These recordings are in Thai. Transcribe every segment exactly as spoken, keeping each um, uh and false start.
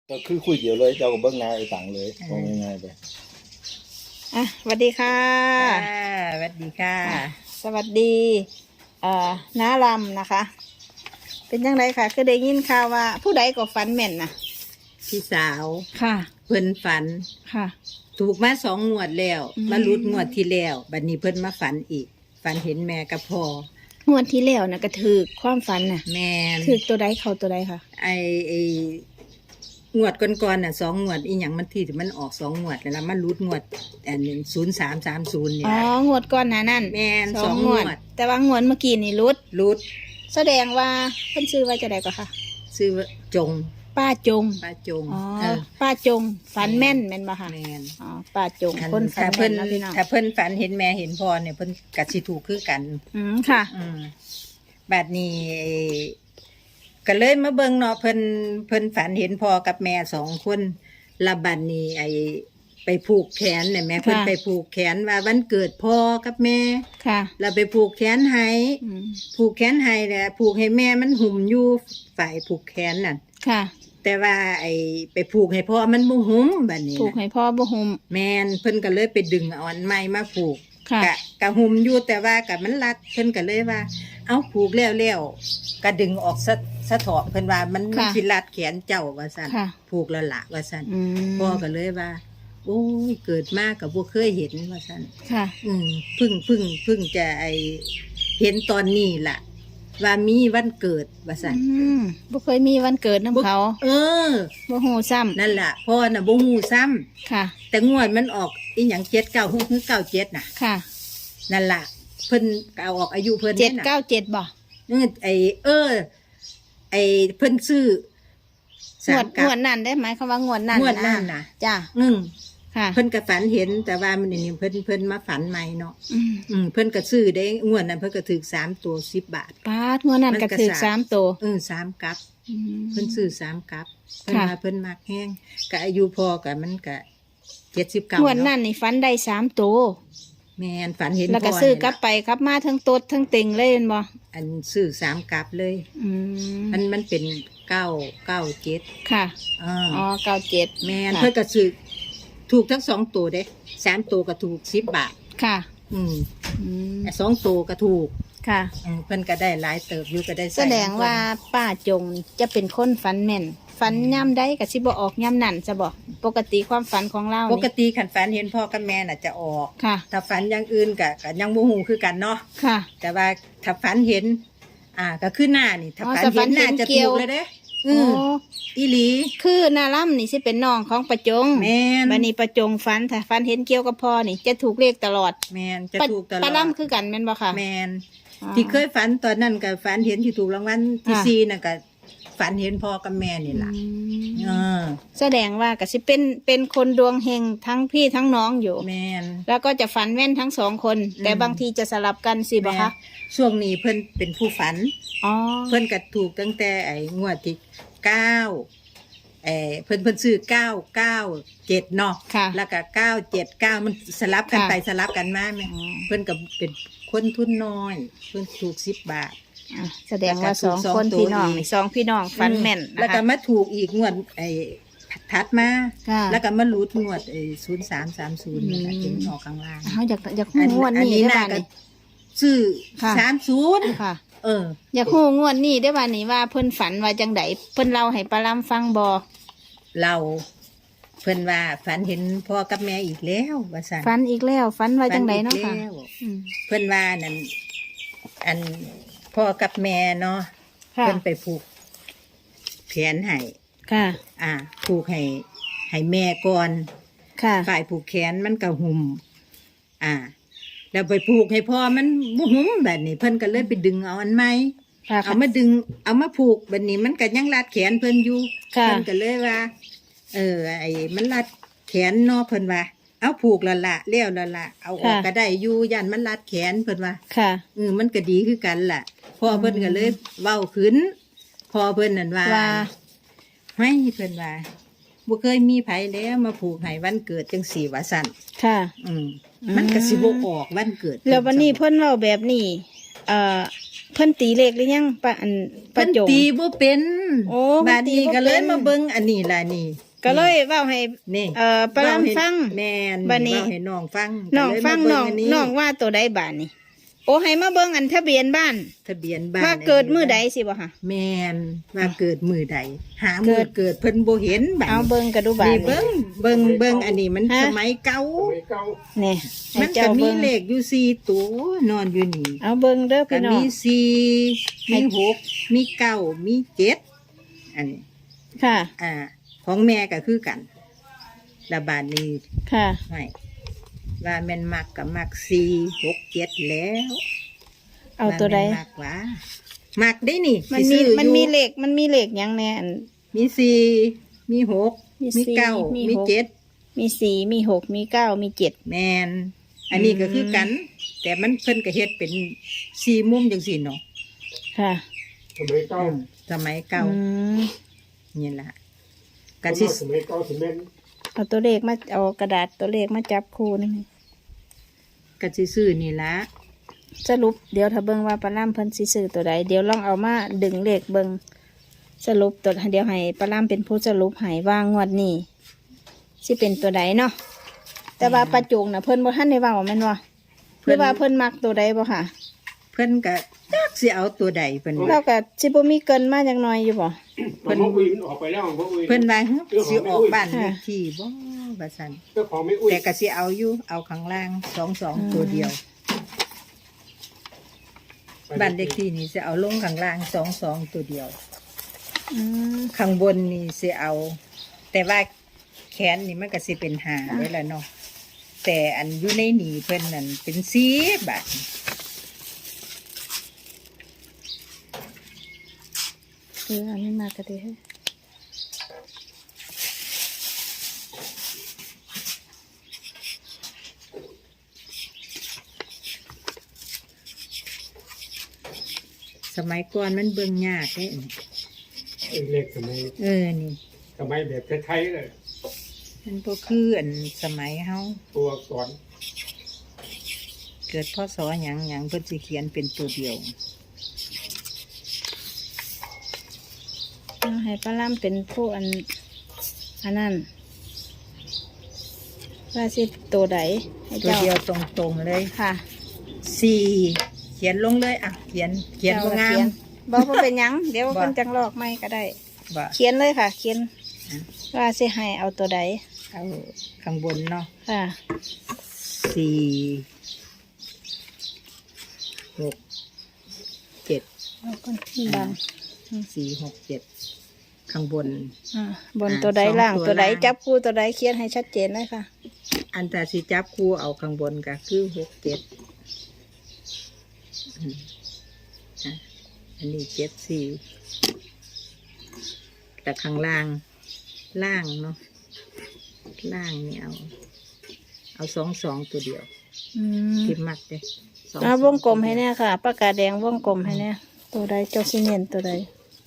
ก็คือคุยเดียวเลยเจ้าก็เบิ้งหน้าไอ้ตังเลยตรงง่ายๆไปอ่ะสวัสดีค่ะสวัสดีค่ะสวัสดีเอ่อน้าลำนะคะ เป็นยังไงค่ะคือได้ยินข่าวว่าผู้ใดก็ฝันแม่นนะพี่สาวค่ะเพิ่นฝันค่ะถูกมาสองงวดแล้วมาลุดงวดที่แล้วบัดนี้เพิ่นมาฝันอีกฝันเห็นแม่กับพ่องวดที่แล้วนะก็ถือความฝันน่ะแม่ถือตัวใดเขาตัวใดค่ะไอไองวดก่อนๆน่ะสองงวดอีหยังมันที่มันออกสองงวดแล้วมันลุดงวดอันนี้ศูนย์สามสามศูนย์เนี่ยอ๋องวดก่อนหน้านั่นแม่นสองงวดแต่ว่างวดเมื่อกี้นี่ลุดลุดแสดงว่าเพิ่นชื่อว่าจะได้ก็ค่ะชื่อว่าจงป้าจงป้าจงอ๋อป้าจงฝันแม่นแม่นบ่ค่ะแม่นอ๋อป้าจงคนฝันแม่นนะพี่น้องถ้าเพิ่นฝันเห็นแม่เห็นพ่อเนี่ยเพิ่นก็สิถูกคือกันอืมค่ะอืมบัดนี้ก็เลยมาเบิ่งเนาะเพิ่นเพิ่นฝันเห็นพ่อกับแม่สองคนละบัดนี้ไอไปผูกแขนเนี่ยแม่เพิ่นไปผูกแขนว่าวันเกิดพ่อกับแม่ค่ะเราไปผูกแขนให้ผูกแขนให้แหละผูกให้แม่มันหุ่มอยู่ฝ่ายผูกแขนนั่นค่ะแต่ว่าไอไปผูกให้พ่อมันบ่หุ่มบัดนี้ผูกให้พ่อบ่หุ่มแม่นเพิ่นก็เลยไปดึงเอาอันใหม่มาผูกค่ะกะกะหุ่มอยู่แต่ว่ากับมันรัดเพิ่นก็เลยว่าเอาผูกแล้วแล้วก็ดึงออกสะสะเถาะเพิ่นว่ามันมันสิรัดแขนเจ้าว่าซั่นผูกแล้วล่ะว่าซั่นพ่อก็เลยว่าโอ้ยเกิดมาก็บ่เคยเห็นว่าซั่นค่ะอืมเพิ่งเพิ่งเพิ่งจะไอเห็นตอนนี้ล่ะว่ามีวันเกิดว่าซั่นอืมบ่เคยมีวันเกิดนำเขาเออบ่ฮู้ซ้ำนั่นล่ะพ่อน่ะบ่ฮู้ซ้ำค่ะแต่งวดมันออกอีหยังเจ็ดเก้าหกหรือเก้าเจ็ดน่ะค่ะนั่นล่ะเพิ่นเอาออกอายุเพิ่นเจ็ดเก้าเจ็ดบ่เออไอเออไอเพิ่นซื้องวดงวดนั่นได้ไหมคำว่างวดนั่นงวดนั่นน่ะจ้ะอืมค่ะเพิ่นก็ฝันเห็นแต่ว่ามันนี่เพิ่นเพิ่นมาฝันใหม่เนาะอืมเพิ่นก็ซื้อได้งวดนั้นเพิ่นก็ถูกสามตัวสิบบาทปาดงวดนั้นก็ถูกสามตัวเออสามกับเพิ่นซื้อสามกับเพิ่นมาเพิ่นมักแห้งก็อายุพอก็มันก็เจ็ดสิบเก้างวดนั้นนี่ฝันได้สามตัวแม่นฝันเห็นแล้วก็ซื้อกลับไปกลับมาทั้งตดทั้งเต็งเลยเห็นบ่อันซื้อสามกับเลยอืมมันมันเป็นเก้าเก้าเจ็ดค่ะอ๋อเก้าเจ็ดแม่นเพิ่นก็ซื้อถูกทั้งสองตัวเด้สามตัวก็ถูกสิบบาทค่ะอืมแต่สองตัวก็ถูกค่ะเพิ่นก็ได้หลายเติบอยู่ก็ได้แสดงว่าป้าจงจะเป็นคนฝันแม่นฝันย่ำได้ก็สิบ่ออกย่ำนั่นจะบอกปกติความฝันของเราปกติขันฝันเห็นพ่อกับแม่น่ะจะออกค่ะถ้าฝันอย่างอื่นก็ก็ยังบ่ฮู้คือกันเนาะค่ะแต่ว่าถ้าฝันเห็นอ่าก็คือหน้านี่ถ้าฝันเห็นหน้าจะถูกเลยเด้โอ้อีหลีคือนาล่ำนี่สิเป็นน้องของประจงแม่นบัดนี้ประจงฝันถ้าฝันเห็นเกี่ยวกับพ่อนี่จะถูกเลขตลอดแม่นจะถูกตลอดปลาล่ำคือกันแม่นบ่ค่ะแม่นที่เคยฝันตอนนั้นก็ฝันเห็นที่ถูกรางวัลที่สี่น่ะก็ฝันเห็นพ่อกับแม่นี่ล่ะเออแสดงว่าก็สิเป็นเป็นคนดวงเฮงทั้งพี่ทั้งน้องอยู่แม่นแล้วก็จะฝันแม่นทั้งสองคนแต่บางทีจะสลับกันสิบ่คะช่วงนี้เพิ่นเป็นผู้ฝันอ๋อเพิ่นก็ถูกตั้งแต่ไอ้งวดที่เก้าเออเพิ่นเพิ่นซื้อเก้าเก้าเจ็ดเนาะแล้วก็เก้าเจ็ดเก้ามันสลับกันไปสลับกันมาแม่เพิ่นก็เป็นคนทุนน้อยเพิ่นถูกสิบบาทแสดงว่าสองคนพี่น้องสองพี่น้องฟันแม่นแล้วก็มาถูกอีกงวดไอ้ทัดมาแล้วก็มาหลุดงวดไอ้ศูนย์สามสามศูนย์นี่ถึงออกข้างล่างเขาอยากอยากหูงวดนี้ได้บ้างซื้อสามศูนย์ค่ะเอออยากหูงวดนี้ได้บ้างนี่ว่าเพิ่นฝันว่าจังไดเพิ่นเล่าให้ปลาล้ำฟังบ่เราเพิ่นว่าฝันเห็นพ่อกับแม่อีกแล้วว่าซั่นฝันอีกแล้วฝันว่าจังไดเนาะค่ะเพิ่นว่านั่นอันพ่อกับแม่เนาะเพิ่นไปผูกแขนให้ค่ะอ่าผูกให้ให้แม่ก่อนค่ะฝ่ายผูกแขนมันก็หุ่มอ่าแล้วไปผูกให้พ่อมันบ่หุ่มแบบนี้เพิ่นก็เลยไปดึงเอาอันใหม่เอามาดึงเอามาผูกแบบนี้มันก็ยังรัดแขนเพิ่นอยู่เพิ่นก็เลยว่าเออไอ้มันรัดแขนเนาะเพิ่นว่าเอาผูกละละเลี้ยวละละเอาออกก็ได้อยู่ยันมันรัดแขนเพิ่นว่าค่ะเออมันก็ดีคือกันล่ะพ่อเพิ่นก็เลยเว้าขึ้นพ่อเพิ่นนั่นว่าให้เพิ่นว่าบ่เคยมีไผแล้วมาผูกให้วันเกิดจังสี่ว่าซั่นค่ะอืมมันก็สิบ่ออกวันเกิดแล้ววันนี้เพิ่นเว้าแบบนี้เอ่อเพิ่นตีเลขหรือยังป้าอันป้าเพิ่นจงตีบ่เป็นโอ้บาดนี้เพิ่นตีบ่ก็เลยเป็นมาเบิ่งอันนี้ล่ะนี่ก็เลยเว้าให้นี่เอ่อปลาลำฟังแม่นบัดนี้เว้าให้น้องฟังน้องก็เลยฟังมาน้เบิ่องอัน้องว่าตัวใดบาทนี่โอ้ให้มาเบิ่งอันทะเบียนบ้านทะเบียนบ้านว่าเกิดมื้อใดสิบ่ค่ะแม่นว่าเกิดมื้อใด หาเกิมื้อดเกิดเพิ่นบ่เห็นบัดเอาเบิ่งกระดูบาทนี่นี่เบิ่งเบิ่งเบิ่งอันนี้มันฮะสมัยเก่านี่ให้มันเจ้าก็มีเบิ่งเลขอยู่สี่ตัวนอนอยู่นี่เอาเบิ่งเด้อก็พี่น้อมีงสี่มีหกมีเก้ามีเจ็ดอันนี้ค่ะอ่า ของแม่ก็คือกันระบาดนี้ค่ะไม่ว่าแม่นมักกับมักสี่หกเจ็ดแล้วเอาตัวใดาแม่นมักวะมักได้นี่มันสิมีซื้อมันอยู่มีเลขมันมีเลขหยังแน่อันมีสี่มีหกมีมีสี่เก้ามีมีหกเจ็ดมีสี่มีหกมีเก้ามีเจ็ดแมนอันนี้ก็คือมกัน แต่มันเพิ่นก็เฮ็ดเป็นสี่มุมจังสี่เนาะค่ะสมัยเก่าอืมสมัยเก่าอืมนี่ล่ะก็ก็สิสิสมัยเก่าสิแม่นเอาตัวเลขมาเอากระดาษตัวเลขมาจับคู่นี่ไหมก็สิซื้อนี่ล่ะสรุปเดี๋ยวถ้าเบิ่งว่าปลาล่ำเพิ่นสิซื้อตัวใดเดี๋ยวลองเอามาดึงเลขเบิ่งสรุปตัวเดี๋ยวให้ปลาล่ำเป็นผู้สรุปให้ว่างวดนี้สิเป็นตัวใดเนาะแต่ว่าปลาจุงน่ะเพิ่นบ่ทันได้เว้าแม่นบ่หรือว่าเพิ่นมักตัวใดบ่ค่ะเพิ่นก็จักสิเอาตัวใดเพิ่นเราก็สิบ่มีเกินมาจักหน่อยอยู่บ่เพิ่นอุ้ยมันออกไปแล้วบ่อุ้ยเพิ่นว่าฮึสิออกบ้านเลขที่บ่ว่าซั่นเจ้าของไม่อุ้ยแต่ก็สิเอาอยู่เอาข้างล่างสองสองตัวเดียวบ้านเลขที่นี่สิเอาลงข้างล่างสองสองตัวเดียวอืมข้างบนนี่สิเอา แต่ว่าแขนนี่มันก็สิเป็นหาไว้แล้วเนาะแต่อันอยู่ในหนีเพิ่นนั่นเป็นสีบาทเอออันนี้มากก็ดีให้สมัยก่อนมันเบิ่งยากเด้เออเล็กสมัยเออนี่สมัยแบบไทยๆเลยมันบ่คืออันสมัยเฮาตัวอักษรเกิดพศหยังหยังเพิ่นสิเขียนเป็นตัวเดียวเอาให้ปลาล่ำเป็นผู้อันอันนั้นว่าสิตัวใดให้ตัวเจ้าเดียวตรงๆเลยค่ะสี่เขียนลงเลยอ่ะเขียนเขียนบ่งามบอกว่าเป็นหยัง เดี๋ยวบ่เพิ่นจังลอกไม่ก็ได้บ่เขียนเลยค่ะ เขียนอ่ะว่าสิให้เอาตัวใดเอาข้างบนเนาะค่ะสี่หกเจ็ดเอาคนบางสี่หกเจ็ดข้างบนอ่าบนอ่าตัวใดสองล่างตัวตัวใดล่างจับคู่ตัวใดเขียนให้ชัดเจนเลยค่ะอันตาสิจับคู่เอาข้างบนก็คือหกเจ็ดอืมอ่ะอันนี้เจ็ดสี่แต่ข้างล่าง ล่างเนาะล่างนี่เอา เอาสองสองตัวเดียวอืมที่มัดเลยสองเอาสวองกลมให้แน่ค่ะปากกาแดงวงกลมให้แน่ตัวใดเจ้าสิเนียนตัวใด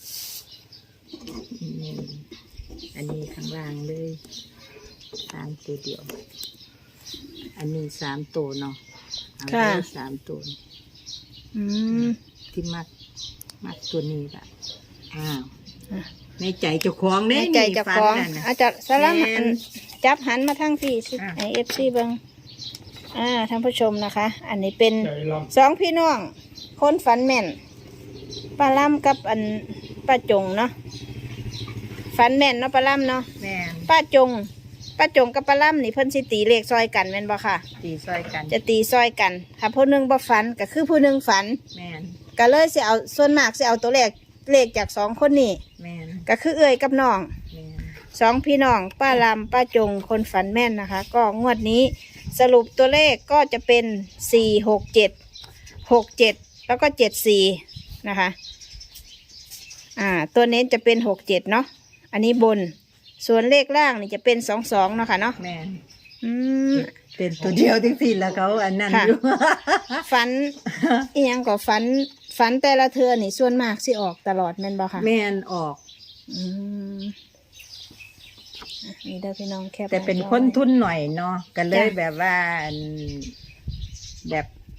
อืมอันนี้ข้างล่างเลยสามตัวเดียว อันนี้สามตัวเนาะเอาเลยสามตัวอืมที่มัดมัดตัวนี้ละอ้าวอ่ะในใจเจ้าของในเด้ใจนี่เจะฟัฟ้าของนั่นน่ะอาจจะสลับแม่นหันจับหันมาทางพี่สิอ่ะไอเอฟซีเบิงอ่าท่านผู้ชมนะคะ อันนี้เป็นใจลสองพี่น้อง คนฝันแม่นป้าล่ำกับอันป้าจงเนาะฝันแม่นเนาะป้าล่ำเนาะแม่นป้าจงป้าจงกับป้าล่ำนี่เพิ่นสิตีเลขซอยกันแม่นบ่ค่ะตีซอยกันจะตีซอยกันถ้าผู้หนึงบ่ฝันก็คือผู้หนึงฝันแม่นก็เลยสิเอาส่วนมากสิเอาตัวเลขเลขจากสองคนนี้แม่นก็คือเอื้อยกับน้องแม่นสองพี่น้องป้าลำป้าจงคนฝันแม่นนะคะ ก็งวดนี้สรุปตัวเลขก็จะเป็นสี่หกเจ็ดหกเจ็ดแล้วก็เจ็ดสี่นะคะอ่าตัวเน้นจะเป็นหกเจ็ดเนาะอันนี้บนส่วนเลขล่างนี่จะเป็นสองสองเนาะค่ะเนาะแม่นอืมเป็นตัวเดียวที่สิแล้วเขาอันนั้นค่ะอยู่ฝันอียังก็ฝันฝันแต่ละเทือนี่ส่วนมากสิออกตลอดแม่นบ่ค่ะแม่นออกอืมอ่ะนี่ได้อพี่น้องแคบแต่เป็นหาจอคนไว้ทุนหน่อยเนาะก็เลยจ้ะแบบว่าอันแบบ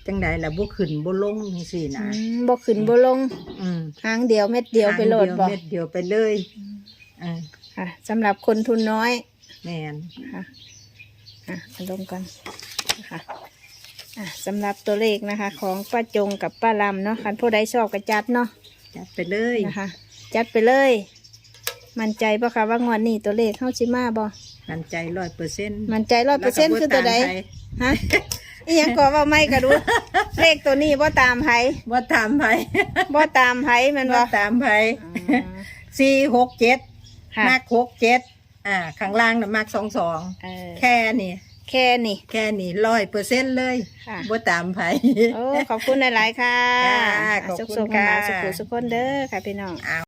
จังใดล่ะบ่ขึ้นบ่ลงจังซี่อืนะมบ่ขึ้นบ่ลงอืมหางเดียวเม็ดเดียวไปโหลดบ่เม็ดเดียวไปเลยอ่าค่ะสำหรับคนทุนน้อยแม่นค่ะอ่ะเอาลงกันนะคะอ่ะสำหรับตัวเลขนะคะ ของป้าจงกับป้าลำเนาะคันผู้ใดชอบก็จัดเนาะจัดไปเลยนะคะ จัดไปเลย มั่นใจปะคะว่างวดนี้ตัวเลขเข้าชิมาบ่มั่นใจร้อยเปอร์เซ็นต์มั่นใจร้อยเปอร์เซ็นต์คือตัวใดฮะอีหยังก็ว่าไม่ก็รู้ เลขตัวนี้ว่าตามไผว่าตามไผว่าตามไผแมันว่าว่าตามไผสี่หกเจ็ดค่ะมากหกเจ็ดอ่าข้างล่างน่ะมากสองสองเออแค่นี้แค่นี้แค่นี้ร้อยเปอร์เซ็นต์เลยค่ะว่าตามไผโอ้ขอบคุณหลายๆค่ะค่ะขอบคุณสุขๆกันมาค่ะสุขๆสุขคนเด้อค่ะพี่น้อง